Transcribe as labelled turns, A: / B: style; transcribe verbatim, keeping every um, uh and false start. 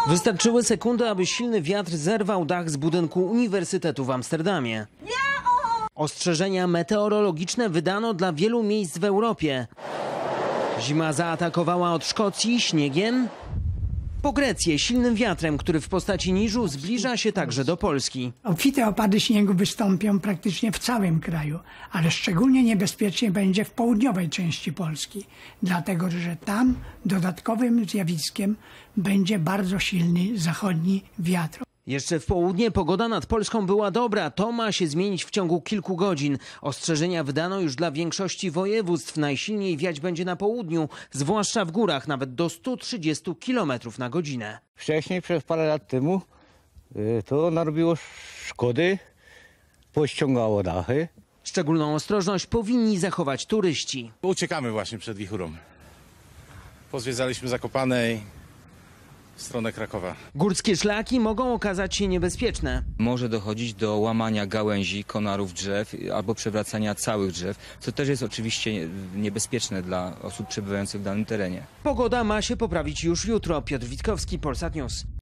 A: Wystarczyły sekundy, aby silny wiatr zerwał dach z budynku Uniwersytetu w Amsterdamie. Ostrzeżenia meteorologiczne wydano dla wielu miejsc w Europie. Zima zaatakowała od Szkocji śniegiem po Grecję silnym wiatrem, który w postaci niżu zbliża się także do Polski.
B: Obfite opady śniegu wystąpią praktycznie w całym kraju, ale szczególnie niebezpiecznie będzie w południowej części Polski, dlatego że tam dodatkowym zjawiskiem będzie bardzo silny zachodni wiatr.
A: Jeszcze w południe pogoda nad Polską była dobra. To ma się zmienić w ciągu kilku godzin. Ostrzeżenia wydano już dla większości województw. Najsilniej wiać będzie na południu, zwłaszcza w górach, nawet do stu trzydziestu kilometrów na godzinę.
C: Wcześniej, przez parę lat temu, to narobiło szkody, pościągało dachy.
A: Szczególną ostrożność powinni zachować turyści.
D: Uciekamy właśnie przed wichurą. Pozwiedzaliśmy Zakopanej w stronę Krakowa.
A: Górskie szlaki mogą okazać się niebezpieczne.
E: Może dochodzić do łamania gałęzi, konarów drzew albo przewracania całych drzew, co też jest oczywiście niebezpieczne dla osób przebywających w danym terenie.
A: Pogoda ma się poprawić już jutro. Piotr Witkowski, Polsat News.